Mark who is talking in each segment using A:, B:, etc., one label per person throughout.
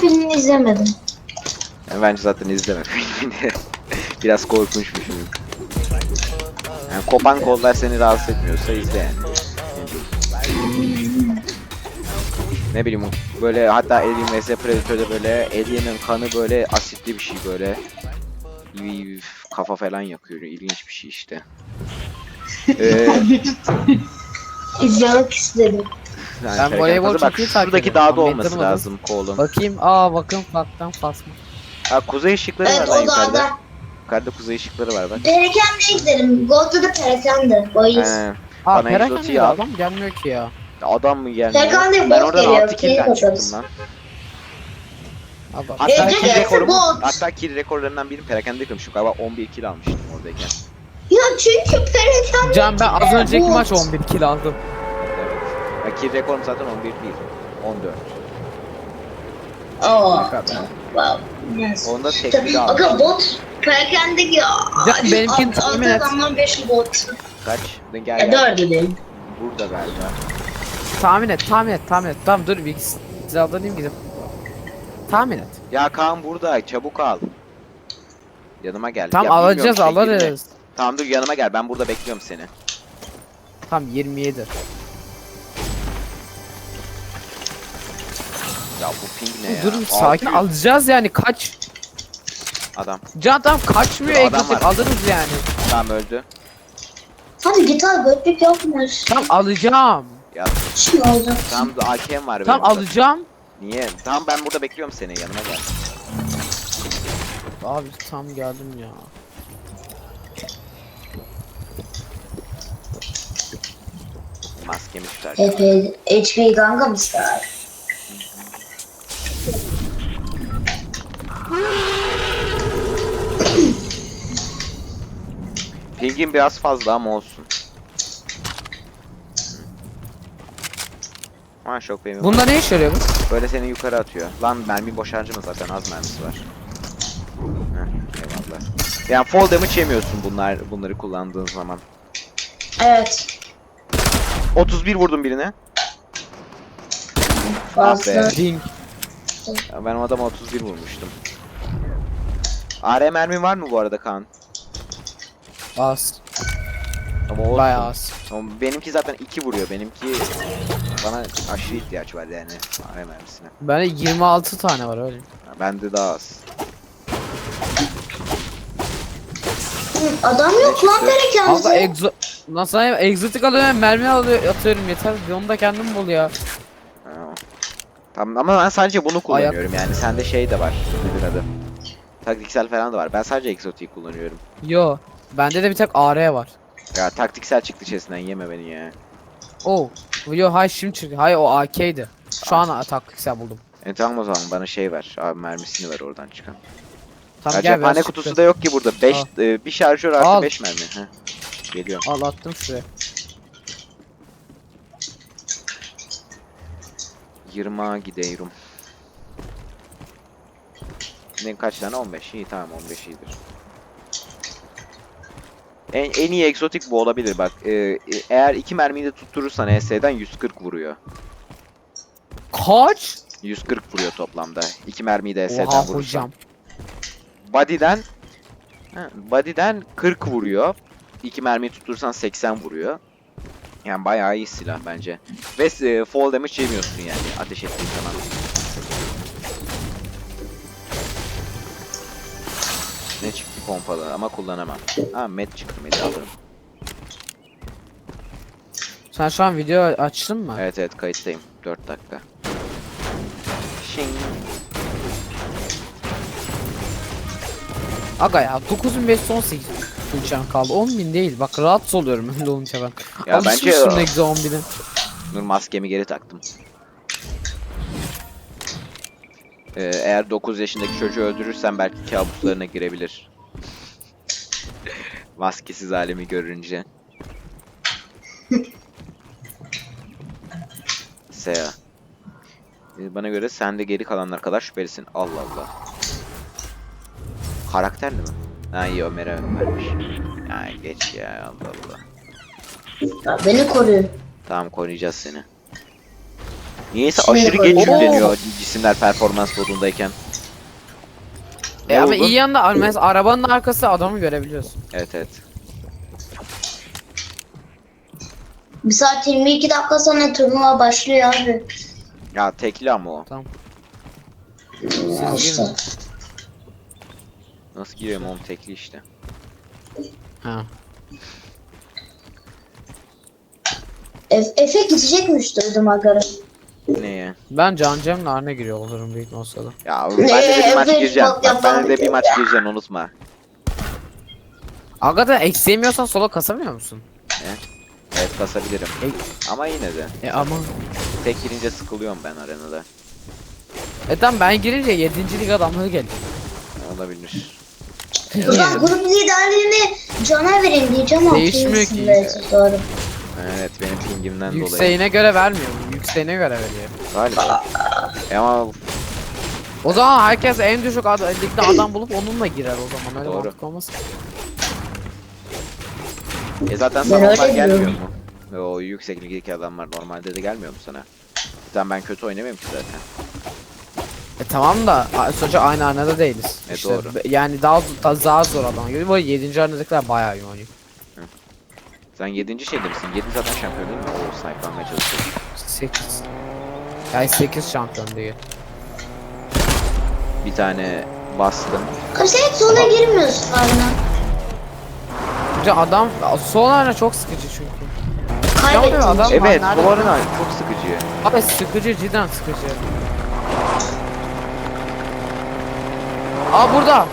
A: filmini izlemedim.
B: Yani bence zaten izleme filmini. Biraz korkunç bir film. Yani kopan kollar seni rahatsız etmiyorsa izle yani. Ne bileyim böyle, hatta Alien vs Predator'da böyle Alien'ın kanı böyle asitli bir şey böyle. Kafa falan yakıyor. İlginç bir şey işte.
A: İzlemek istedim.
B: Yani
C: Ben voleybol
B: bak
C: çok iyi takip
B: şuradaki
C: ediyorum.
B: dağda
C: Tam
B: olması
C: beklemedim.
B: lazım kolun.
C: Bakayım. Bakın baktan fasma.
B: Ha, kuzey ışıkları var
A: Evet,
B: lan
A: o
B: yukarıda.
A: dağda.
B: Yukarıda kuzey ışıkları var bak.
A: Perakende gidelim. Gold'da da perakende. Bayız.
B: Bana
C: Perakende
B: egzotiği
C: de
B: al.
C: adam gelmiyor ki ya.
B: Adam mı gelmiyor?
A: Perakende
B: Ben
A: bot
B: oradan
A: geliyor,
B: 6 kill'den
A: keyif
B: çıktım
A: alırız.
B: lan.
C: Abi,
B: Hatta
A: Ece
B: kill
A: gelse
B: rekorum,
A: bot.
B: hatta kill rekorlarından birini perakende kırmışım. Galiba 11 kill almıştım oradayken.
A: Ya çünkü perakende...
C: Can ben az önceki
A: bot.
C: maç 11 kill aldım.
B: Evet. Ya kill rekorum zaten 11 değil. 14.
A: Oo. Wow. Yes.
B: Onda tek bir
A: Aga
B: almıştım.
A: bot perakende ya.
C: Ya benimkini tahmin et.
A: Adamdan 5 bot.
B: Kaç? Gel
A: Ya
B: gel.
A: 4 gidelim.
B: Burada galiba.
C: Tahmin et. Tamam dur bir silahlanayım gidip. Tahmin et.
B: Ya Kaan burada. Çabuk al. Yanıma gel.
C: Tam
B: Ya bilmiyorum,
C: alacağız
B: şey girme.
C: alırız.
B: Tamam dur yanıma gel. Ben burada bekliyorum seni.
C: Tam 27.
B: Ya bu ping ne ya?
C: Dur sakin
B: 600
C: alacağız yani kaç.
B: Adam.
C: Can tam kaçmıyor
B: Dur, adam
C: egzotik
B: var.
C: alırız yani.
B: Tamam öldü.
A: Hadi git al, götlük yapmış.
C: Tam alacağım.
B: Ya
A: Şimdi olacak.
B: tamam da AK'm var
C: Tam
B: benim burada.
C: alacağım.
B: Niye? Tamam ben burada bekliyorum seni. Yanıma gel.
C: Abi tam geldim ya.
B: Maskemi tutar.
A: HP Ganga mı ister?
B: Pingin biraz fazla ama olsun. Ha şok benim.
C: Bunda ne işe yarıyor bu?
B: Böyle seni yukarı atıyor. Lan mermi boş harcama zaten, az mermisi var. Heh, eyvallah. Yani fall damage yemiyorsun bunları kullandığın zaman.
A: Evet.
B: 31 vurdum birine.
A: Fazla.
B: be.
C: Ding.
B: Ya ben o adama 31 vurmuştum. AR mermin var mı bu arada Kaan?
C: Az.
B: Ama olsun.
C: Bayağı az.
B: Ama benimki zaten 2 vuruyor. Benimki bana aşırı ihtiyaç var yani AR mermisine.
C: Bende 26 tane var öyle.
B: Ya bende daha az.
A: Adam yok lan
C: Abla
A: perakende.
C: Nasıl egzotik alıyorum mermi atıyorum yeter. Onu da kendim bul ya.
B: Ha. Tamam ama ben sadece bunu kullanıyorum yani sende şey de var. Nedir adı? Taktiksel falan da var. Ben sadece egzotiği kullanıyorum.
C: Yo. Bende de bir tek AR var.
B: Ya taktiksel çıktı içerisinden, yeme beni ya.
C: Oh. Yo hay şimdi çıktı. Hay o AK'ydi. Şu an taktiksel buldum.
B: Tamam o zaman bana şey ver. Abi mermisini ver oradan çıkan.
C: Tamam
B: Ya
C: gel
B: cephane
C: biraz
B: kutusu
C: çıktı.
B: da yok ki burada. 5
C: Al.
B: bir şarjör artı
C: Al.
B: 5 mermi. Heh. Geliyorum.
C: Al attım şuraya.
B: 20'a gidiyorum. Ne kaç tane? 15. İyi tamam 15 iyidir. En iyi egzotik bu olabilir bak. Eğer 2 mermiyi de tutturursan ES'den 140 vuruyor.
C: Kaç?
B: 140 vuruyor toplamda. 2 mermiyi de ES'den
C: Oha
B: vurursan.
C: hocam.
B: Body'den 40 vuruyor. 2 mermiyi tutturursan 80 vuruyor. Yani bayağı iyi silah bence. Ve fall damage yemiyorsun yani ateş ettiğin zaman. Ne çıktı pompalı ama kullanamam. Ha med çıktı, med'i alırım.
C: Sen şu an video açtın mı?
B: Evet evet kayıttayım. 4 dakika. Şing.
C: Aga ya 9518 uçağım kaldı. 10.000 değil. Bak rahatsız oluyorum öyle olunca ben.
B: Ya
C: Alışmışım
B: bence-
C: ne güzel 10.000'e.
B: Dur maskemi geri taktım. Eğer 9 yaşındaki çocuğu öldürürsen belki kabuslarına girebilir. Maskesiz halimi görünce. Seya. Bana göre sen de geri kalanlar kadar şüphelisin. Allah Allah. Karakterli mi? Ha iyi Ömer'e vermiş. Ya geç ya Allah Allah.
A: Ya beni koruyun.
B: Tamam koruyacağız seni. Niyeyse
A: Şimdi
B: aşırı geç
A: koyacağım.
B: yükleniyor cisimler performans modundayken. Ne
C: Ama
B: buldun?
C: iyi yanında mesela arabanın arkası adamı görebiliyorsun.
B: Evet evet.
A: 1 saat 22 dakika sonra turnuva başlıyor abi.
B: Ya tekli ama o.
C: Tamam.
A: Ya
C: Siz
A: işte.
C: girin.
B: Nasıl gireyim oğlum tekli işte.
C: Ha.
A: Efe gidecekmiş duydum agara.
B: Neye?
C: Ben Can Cem'le Arne giriyor olurum büyük olsa da.
B: Ya ben de bir maç
A: Evet,
B: gireceğim.
A: bak
B: Bak ben de
A: yapamadım
B: bir maç
A: ya.
B: gireceğim unutma.
C: Hakikaten eksiğimiyorsan solo kasamıyor musun?
B: Evet kasabilirim. Ama yine de.
C: Ama.
B: Tek girince sıkılıyorum ben arenada.
C: Tamam ben girince 7. lig adamları geliyor.
B: Olabilir.
A: O zaman grup liderliğini Can'a verin diyeceğim ama
C: Değişmiyor ki.
A: kimsin doğru.
B: Evet benim pingimden dolayı.
C: Yükseğine göre vermiyor mu? Yükseğine göre veriyor.
B: Galiba. Ama
C: O zaman herkes en düşük ligde adam bulup onunla girer o zaman. Öyle
B: Doğru.
C: mantık olmaz.
B: zaten
A: Ben
B: sana onlar
A: öyle
B: gelmiyor
A: diyorum.
B: mu? Ve o yüksek ligdeki adamlar normalde de gelmiyor mu sana? Zaten ben kötü oynamıyorum ki zaten.
C: Tamam da sonuçta aynı arenada değiliz.
B: Doğru.
C: Yani daha zor adam gibi. Bu 7. arenadakiler bayağı iyi oynuyor.
B: Sen 7. şeyde misin? 7 zaten şampiyon değil mi? O sniper'lamaya çalışıyor.
C: 8. Yani 8 şampiyon değil.
B: Bir tane bastım.
A: Abi sen hiç sona girmiyorsun Arna.
C: Bir de adam son arena çok sıkıcı çünkü.
A: Kaybettin.
C: Adam-
B: Evet
C: nerede?
B: bu arena çok sıkıcı.
C: Abi sıkıcı, cidden sıkıcı. Aa burada.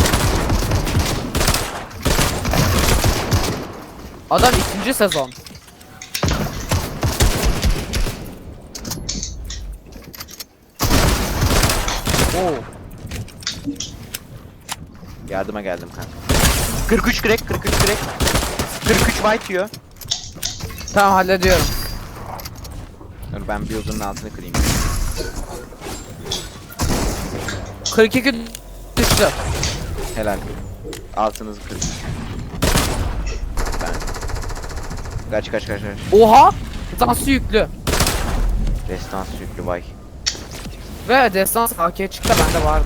C: Adam 2. sezon. Oo.
B: Yardıma geldim kanka. 43 crack 43 crack. 43 white diyor.
C: Tamam hallediyorum.
B: Dur ben bir uzunun altını kırayım.
C: 42 düştü.
B: Helal. Altınızı kırın. Ben. Kaç.
C: Oha! Destansı yüklü.
B: Destans yüklü vay.
C: Ve destans AK'ye çıktı bende vardı.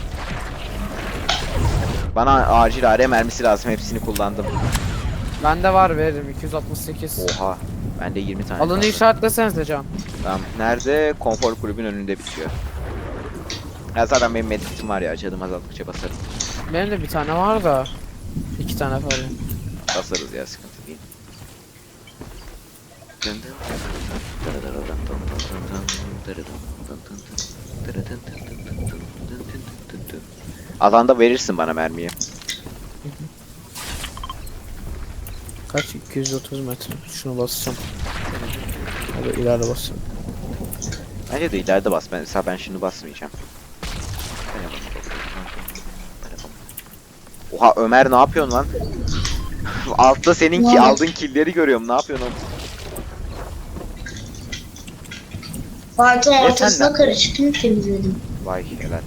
B: Bana acil AR mermisi lazım hepsini kullandım.
C: Bende var veririm 268.
B: Oha. Bende 20 tane.
C: Alanı
B: kaldı.
C: işaretlesenize Can.
B: Tamam. Nerede? Konfor kulübün önünde bitiyor. Ya zaten benim medkitim var ya. Canım azaldıkça basarım.
C: Benim de bir tane var da. 2 tane falan.
B: Basarız ya sıkıntı değil. Alanda verirsin bana mermiyi.
C: Kaç? 230 metre. Şunu basacağım. Hadi ileride basacağım.
B: Bence de ileride bas. Mesela ben şimdi basmayacağım. Oha Ömer ne yapıyorsun lan? Altta senin ki aldığın killleri görüyorum. Ne yapıyorsun oğlum?
A: Fight'ın
B: sen
A: ortasına
B: ne-
A: karışıkını temizledim.
B: Vay helal.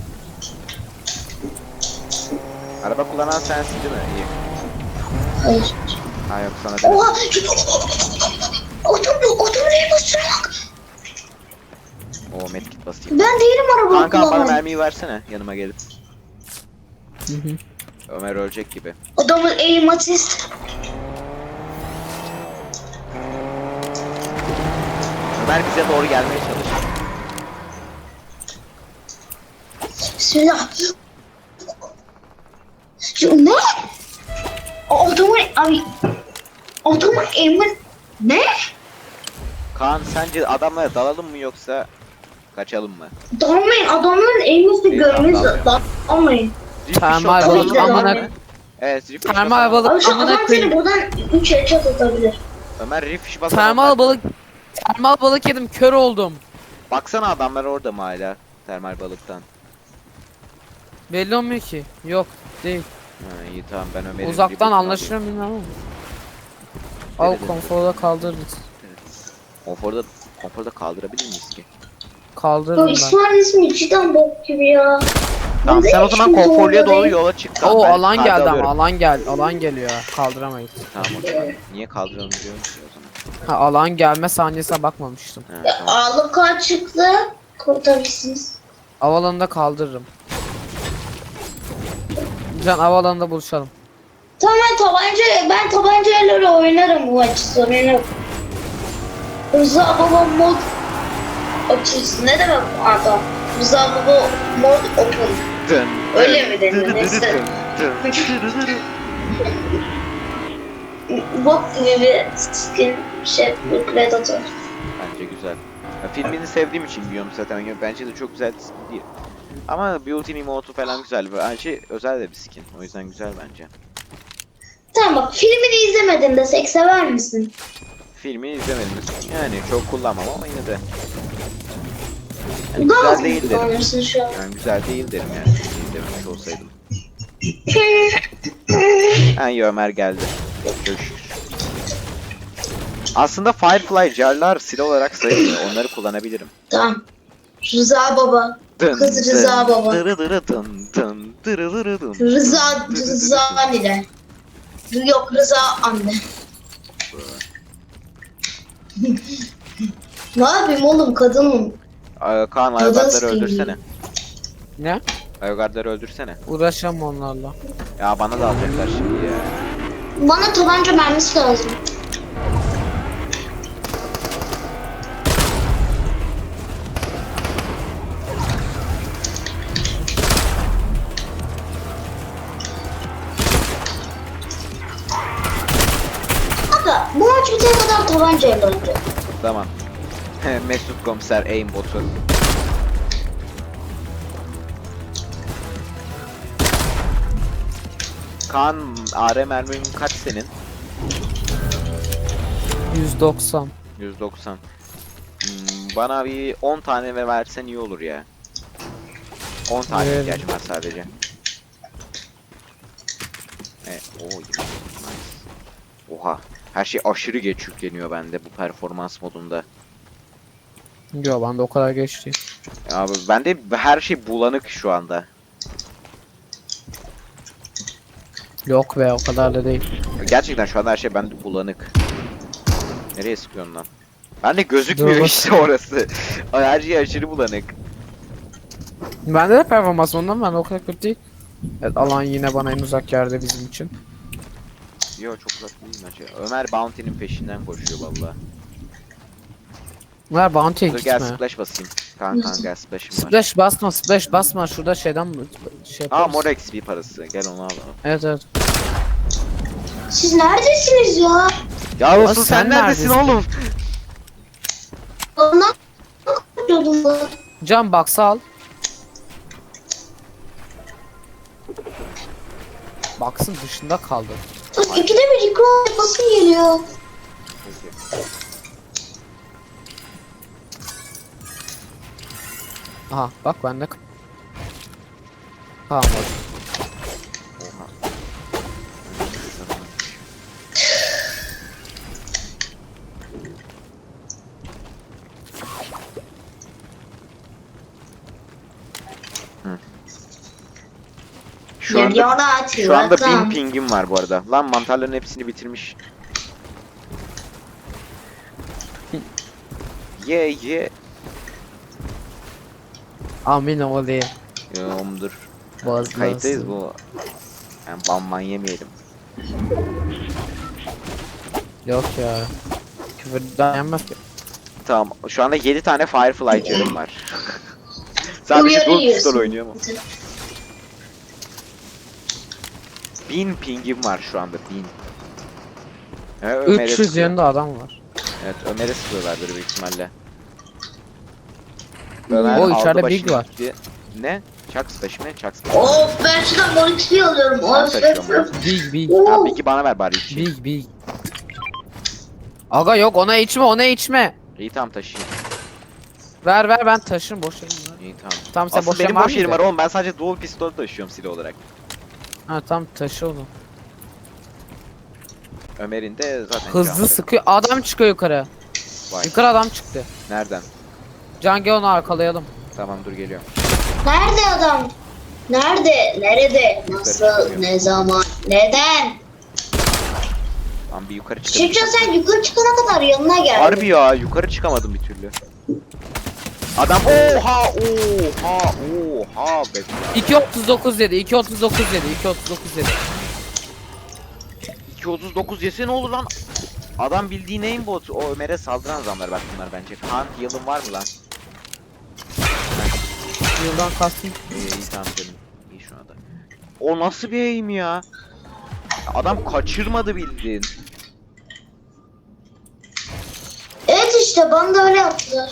B: Araba kullanan sensin değil mi? İyi.
A: Hayır.
B: Ha yok sana dedim.
A: Oha! Otomu neye basıyor bak?
B: Oo medkit basayım.
A: Ben değilim araba
B: Kanka bana
A: kullanan.
B: mermiyi versene yanıma gelip. Ömer ölecek gibi.
A: Adamın aim assist.
B: Ömer bize doğru gelmeye çalış.
A: Bismillah. Ya ne? Adamın aim'in ne?
B: Kaan sence adamlara dalalım mı yoksa kaçalım mı?
A: Dalmayın adamın aim'ini
B: İyi,
A: görmeniz
B: tamam,
A: dalmayın.
B: Rift
C: Termal
B: shot
A: balık
B: dalalım mı?
C: amına-
B: Evet rift
C: Termal
B: shot
C: balık.
A: Abi şu
C: amına
A: adam seni
C: koyayım.
A: buradan 3 headshot atabilir.
B: Ömer rift basalım.
C: Termal balık yedim, kör oldum.
B: Baksana adamlar orada mı hala? Termal balıktan.
C: Belli olmuyor ki. Yok, değil.
B: Ha, iyi tamam ben Ömer'in
C: Uzaktan
B: rebootunu
C: anlaşılıyor mu bilmiyorum ama. Al
B: Evet.
C: konforda kaldırırız.
B: alayım. Konforda kaldırabilir miyiz ki?
A: Ya
C: Kaldırırım ben.
A: İsmail'in ismi cidden bok gibi ya.
B: Tamam
A: Ben
B: sen
A: de
B: o zaman
A: hiç kimse
B: konforluya
A: orada
B: doğru
A: değil.
B: yola çık. Tamam,
C: Oo
B: ben
C: alan
B: kartı
C: geldi
B: alıyorum.
C: ama alan geliyor. Kaldıramayız.
B: Tamam o zaman. Niye kaldıralım diyorum ki o zaman.
C: Ha, alan gelme saniyesine bakmamıştım.
B: Ha, tamam.
A: Ağlık kaç çıktı? Kurtarırsınız.
C: Havalanında kaldırırım. Can havalanında buluşalım.
A: Tamam ben tabancayla oynarım bu maçı, sorun yok. Rıza Baba mod açılsın. Ne demek adam? Rıza Baba mod open.
B: Dın,
A: Öyle mi
B: dın,
A: denir?
B: dın,
A: Neyse.
B: dın, dın, dın, dın.
A: Bok gibi bir skin şey, bir Predator.
B: Bence güzel. Ya, filmini sevdiğim için biliyorum zaten. Bence de çok güzel bir skin değil. Ama Beauty Emote'u falan güzel. Bence özel de bir skin. O yüzden güzel bence.
A: Tamam bak, filmini izlemedin desek sever misin?
B: Filmini izlemedim. Yani çok kullanmam ama yine de. Yani
A: Gaz
B: güzel
A: mı
B: değil derim.
A: kullanırsın şu an?
B: Yani güzel değil derim yani. İzlememiş olsaydım. Yani Ömer geldi. Görüşürüz. Aslında Firefly jarlar silah olarak sayılmıyor. Onları kullanabilirim.
A: Tamam. Rıza Baba. Kız Rıza Baba.
B: Dırı dırı dın dın dırı dırı dın.
A: Rıza anne. Yok, Rıza anne. Ne yapayım oğlum, kadınım.
B: Kaan
A: Kadın
B: Ayogardları
A: skinli.
B: öldürsene.
C: Ne?
B: Ayogardları öldürsene.
C: Uğraşamam onlarla.
B: Ya bana da alacaklar şimdi ya.
A: Bana tabanca mermisi lazım. Aga, bu maç bitene kadar tabancayla oynayacağım.
B: Tamam. Mesut Komiser aimbotu. Kaan AR mermin kaç senin?
C: 190.
B: 190. Bana bir 10 tane ve versen iyi olur ya. 10 tane
C: Evet.
B: ihtiyacım var sadece. Nice. Oha. Her şey aşırı geç yükleniyor bende bu performans modunda.
C: Yo bende o kadar geç değil.
B: Abi bende her şey bulanık şu anda.
C: Yok be, o kadar da değil.
B: Gerçekten şu anda her şey bende bulanık. Nereye sıkıyorsun lan? Bende gözükmüyor
C: Dur,
B: işte orası. Her şey aşırı bulanık.
C: Bende de performans ondan, ben o kadar kötü değil. Evet, alan yine bana en uzak yerde bizim için.
B: Yo çok uzak değil bence. Ömer Bounty'nin peşinden koşuyor valla.
C: Ver bounty'ye
B: Dur gel
C: gitme.
B: splash basayım. Kaan gel splash'ım var.
C: Splash basma, splash basma. Şurada şeyden şey
B: Aa
C: yaparız.
B: mor XP parası. Gel onu al.
C: Evet evet.
A: Siz neredesiniz ya?
B: Ya olsun
C: sen
B: sen neredesin
C: neredesin?
B: oğlum?
A: Ondan kaçıyordum ben.
C: Can box'ı al. Box'ın dışında kaldı.
A: Bak, ikide bir ikram yapasım geliyor.
C: Aha bak bende kalmadı.
B: Oha. Şu anda,
A: Geliyorlar
B: şu anda 1000
A: Tirat'tan.
B: pingim var bu arada. Lan mantarların hepsini bitirmiş. Ye.
C: Amin olayım.
B: Yoğumdur.
C: Boğazına
B: Kayıttayız
C: alsın.
B: bu. Yani banman yemeyelim.
C: Yok ya. Küfürden yenmez ki.
B: Tamam. Şu anda 7 tane Firefly canım var. Sadece
A: Uyarı
B: Dual
A: yiyorsun.
B: Pistol oynuyor mu? 1000 pingim var şu anda 1000. Evet, Ömer'e
C: 300
B: sıkıyor.
C: yanında adam var.
B: Evet Ömer'e sıkıyorlardır büyük ihtimalle.
C: O
B: aldı
C: içeride
B: başını
C: Big var.
B: gitti. Ne? Chuck Splash mi? Chuck Splash.
A: Of, ben şuradan mor XP alıyorum.
B: Ben
A: Of,
B: taşıyorum.
C: Big big.
A: Oo.
B: Ha Big'i bana ver bari içeyim.
C: Big big. Aga yok, ona içme, ona içme.
B: İyi tamam taşıyayım.
C: Ver ben taşırım, boş yerim var.
B: İyi tamam.
C: Tamam sen
B: Aslında
C: boş
B: benim
C: yerin var
B: boş yerim var
C: mıydı?
B: oğlum. Ben sadece Dual Pistol taşıyorum silah olarak.
C: Ha tamam taşı onu.
B: Ömer'in de zaten
C: Hızlı
B: canlı.
C: sıkıyor. Adam çıkıyor yukarı.
B: Vay.
C: Yukarı adam çıktı.
B: Nereden?
C: Can gel onu arkalayalım.
B: Tamam dur geliyorum.
A: Nerede adam? Nerede? Nerede? Nasıl? Ne zaman? Neden?
B: Lan bir yukarı çıkalım.
A: Şevcan sen yukarı çıkana kadar yanına gel.
B: Harbi ya yukarı çıkamadım bir türlü. Adam oha be.
C: 2.39 dedi. 2.39 dedi. 2.39 dedi.
B: 239 yese ne olur lan? Adam bildiğin aimbot. O Ömer'e saldıran adamlar bak bunlar bence. Kaan yılın var mı lan?
C: Yıldan kastım.
B: İyi tamam canım. İyi şu anda. O nasıl bir aim ya? Adam kaçırmadı bildiğin.
A: Evet işte bana da öyle yaptılar.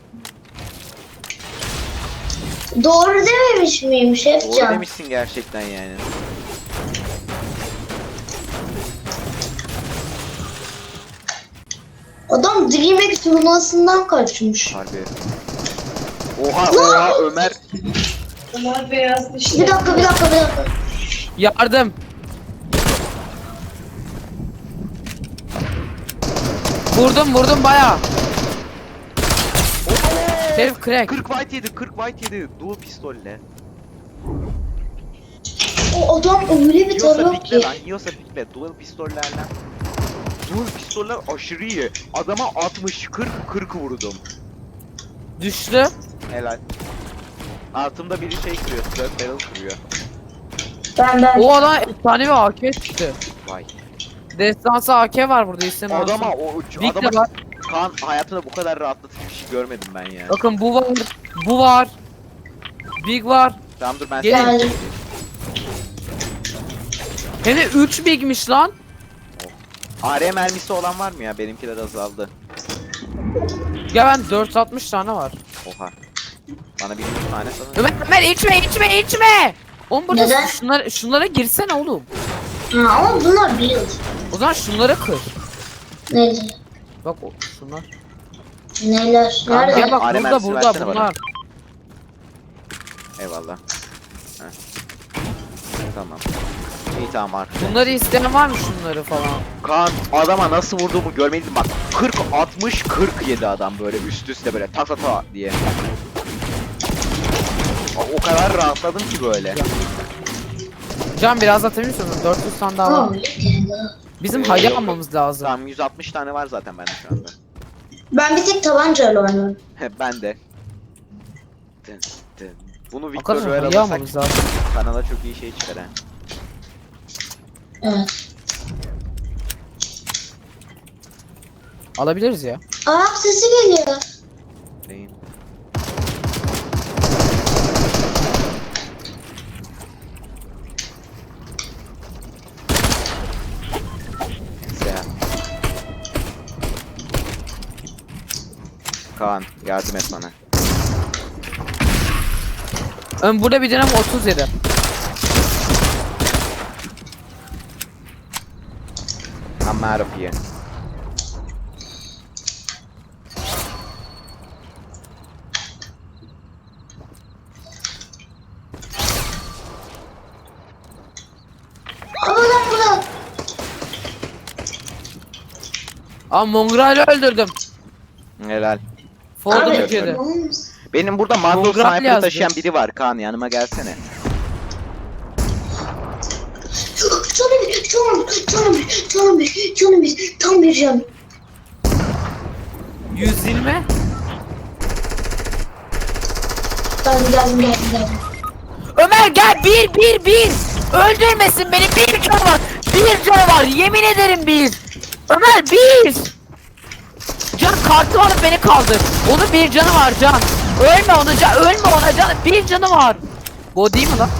A: Doğru dememiş miyim
B: Doğru
A: Şevcan?
B: demişsin gerçekten yani.
A: Adam DreamHack turnuvasından kaçmış.
B: Harbi. Oha Ömer.
D: Bunlar beyaz dişli.
A: Bir dakika.
C: Yardım. Vurdum baya. Herif crack.
B: 40 white yedi. Dual pistolle.
A: O adam öyle bir
B: Yiyorsa
A: taraf
B: pikle
A: ki.
B: lan. Yiyorsa pikle. Dual pistollerle. Dual pistoller aşırı iyi. Adama 60 40 vurdum.
C: Düştü.
B: Helal. Altımda biri şey kırıyor. Third barrel kırıyor.
A: Ben.
C: O adam efsane bir AK çıktı.
B: Vay.
C: Destansı AK var burada istemem.
B: Adama
C: Big de
B: adama
C: var.
B: Kaan hayatımda bu kadar rahatlatıcı bir şey görmedim ben ya.
C: Bakın bu var. Big var.
B: Tamam dur ben
C: Gelin.
B: sana-
A: Geldim.
C: Hem de 3 bigmiş lan.
B: AR mermisi olan var mı ya? Benimkiler azaldı.
C: Ya ben 460 tane var.
B: Oha. Bana bir 100 tane sana.
C: Ömer içme. Oğlum burada
A: Neden?
C: şunlara girsene oğlum.
A: Ha, ama bunlar build.
C: O zaman şunları kır.
A: Neler?
C: Bak şunlar.
A: Neler?
B: Kanka,
A: Nerede?
C: Ya bak
B: AR
C: burada
B: mermisi versene bana.
C: bunlar.
B: Eyvallah. Heh. Tamam. İyi tamam artık.
C: Bunları isteyen var mı şunları falan?
B: Kaan adama nasıl vurduğumu görmedin bak. 40 60 47 adam böyle üst üste böyle tak tak tak diye. O kadar rahatladım ki böyle.
C: Can biraz atabilir misin? 400 tane daha var.
A: Tamam.
C: Bizim
B: Yok,
C: hayı
B: yok.
C: almamız lazım.
B: Tamam 160 tane var zaten bende şu anda.
A: Ben bir tek tabancayla oynuyorum.
B: Ben de. Dın, dın. Bunu Victor
C: Arkadaşlar
B: Royal
C: hayı
B: alırsak
C: almamız lazım.
B: kanala çok iyi şey çıkar ha.
A: Evet.
C: Alabiliriz ya.
A: Ayak sesi geliyor.
B: Neyin? Neyse ya. Kaan yardım et bana.
C: Burada bir dönem 37.
B: I'm out of here.
A: Ama lan burada.
C: Aa Mongrel'i öldürdüm.
B: Helal.
C: Ford'u
A: Abi,
C: Türkiye'de.
A: olmaz.
B: Benim burada Mando
C: Mongrel
B: Sniper'ı
C: yazdı.
B: taşıyan biri var. Kaan yanıma gelsene.
A: Canım bir, tam bir can.
C: 120.
A: Geldim.
C: Ömer gel bir. Öldürmesin beni bir canı var. Bir canı var yemin ederim bir. Ömer bir. Can kartı alıp beni kaldır. Onun bir canı var Can. Ölme ona Can. Bir canı var. Bu değil mi lan?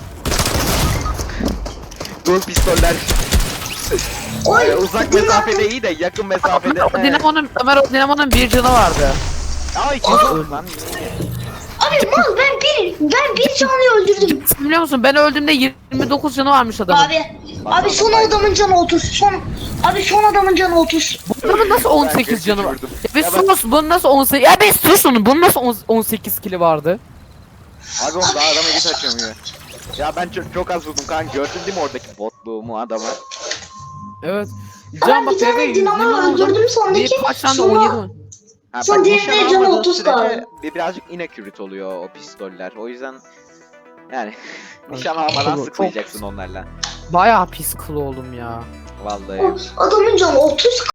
B: Dur pistoller.
A: Oy,
B: Uzak mesafede iyi de yakın mesafede.
C: Ömer o dinamonun bir canı vardı.
B: Ay kim lan?
A: Abi mal ben bir canlıyı öldürdüm.
C: Sen biliyor musun ben öldüğümde 29 canı varmış adamın.
A: Abi son adamın canı 30. Son adamın canı 30.
C: Bu adamın nasıl 18 canı var?
B: vurdum.
C: Ya bir
B: Ya ben-
C: sus bunun nasıl 18? Ya bir sus bunun nasıl 18 kili vardı?
B: Abi oğlum daha adama git açamıyor. Ya ben çok az vurdum kan gördün değil mi oradaki botluğumu adama?
C: Evet.
A: Ben
C: Can
A: bir
C: bak
A: tane
C: 120
A: dinamo
C: vurdum.
A: öldürdüm sondaki.
C: Kaç tane
A: Sonra
C: 17 mi?
B: Ha,
A: Son
B: bak,
A: diğerine
B: nişan
A: canı
B: almadığın
A: 30
B: sürece
A: kaldı.
B: birazcık inaccurate oluyor o pistoller. O yüzden yani nişan almadan
C: Çok-
B: sıkmayacaksın onlarla.
C: Bayağı pis kıl oldum ya.
B: Vallahi.
A: Adamın canı 30